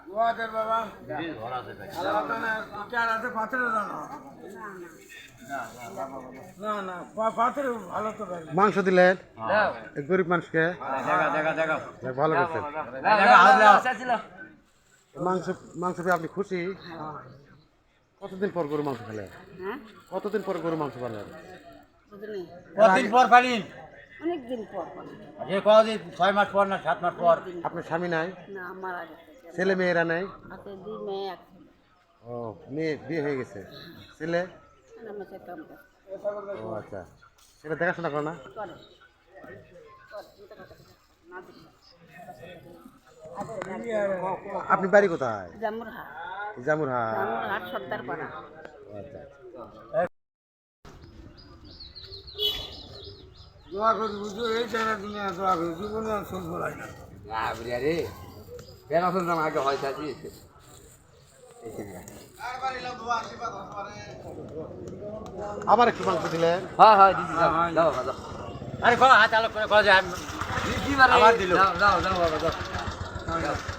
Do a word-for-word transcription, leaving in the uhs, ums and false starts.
ওয়াদের বাবা চার আছে পাথরে জানো না না পাথরে ভালো তো মাংস দিলেন গরিব মানুষকে ভালো করছেন মাংস মাংস পেয়ে আপনি খুশি? কতদিন পর গরু মাংস খেলেন? কতদিন পর গরু মাংস খেলেন? কতদিন পর পালিন? অনেকদিন পর। যে কদিন ছয় মাস পর না সাত মাস পর? আপনার স্বামী নাই? না মারা গেছে। ছেলে মেয়েরা নাই? আছে দুই মেয়ে এক ও মেয়ে বিয়ে হয়ে গেছে, ছেলে? আমার সে কাম করে। ও আচ্ছা, সেটা দেখাশোনা করো না? করে। আপনি বাড়ি কোথায়? জামুরহাট। জামুরহাট। জামুরহাট সর্দার পাড়া। আচ্ছা দোয়া করি বুঝো এই জায়গা দুনিয়া দোয়া করি জীবনে আর শুনবো না না রে বেনা শুনতাম আগে হয় থাকি আবার একটু মাংস দিলেন? হ্যাঁ হ্যাঁ দিদি দাও দাও দাও আরে কো হাত আলো করে কো যায় আমার দিল দাও দাও দাও বাবা দাও